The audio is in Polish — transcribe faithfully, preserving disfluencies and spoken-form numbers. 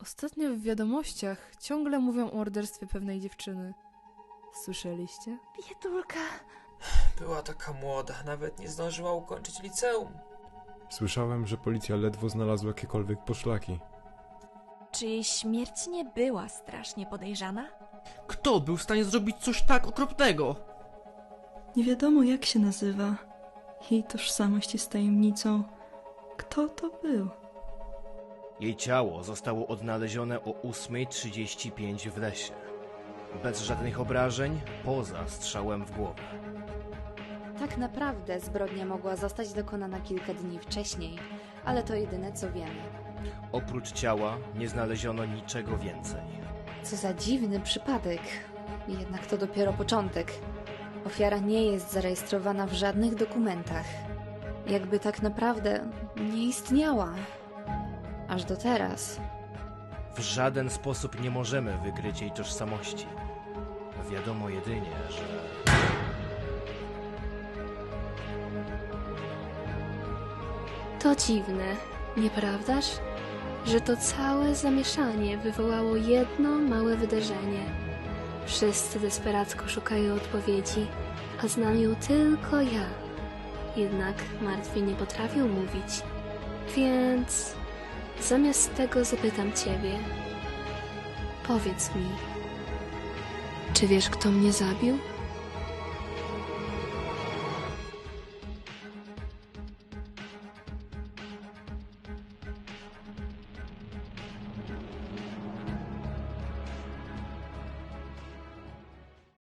Ostatnio w wiadomościach ciągle mówią o morderstwie pewnej dziewczyny. Słyszeliście? Biedulka. Była taka młoda, nawet nie zdążyła ukończyć liceum. Słyszałem, że policja ledwo znalazła jakiekolwiek poszlaki. Czy jej śmierć nie była strasznie podejrzana? Kto był w stanie zrobić coś tak okropnego? Nie wiadomo, jak się nazywa. Jej tożsamość jest tajemnicą. Kto to był? Jej ciało zostało odnalezione o ósma trzydzieści pięć w lesie. Bez żadnych obrażeń, poza strzałem w głowę. Tak naprawdę zbrodnia mogła zostać dokonana kilka dni wcześniej, ale to jedyne co wiemy. Oprócz ciała nie znaleziono niczego więcej. Co za dziwny przypadek. Jednak to dopiero początek. Ofiara nie jest zarejestrowana w żadnych dokumentach. Jakby tak naprawdę nie istniała. Aż do teraz. W żaden sposób nie możemy wykryć jej tożsamości. Wiadomo jedynie, że... To dziwne, nieprawdaż? Że to całe zamieszanie wywołało jedno małe wydarzenie. Wszyscy desperacko szukają odpowiedzi, a znam ją tylko ja. Jednak martwi nie potrafią mówić. Więc zamiast tego zapytam ciebie. Powiedz mi, czy wiesz, kto mnie zabił?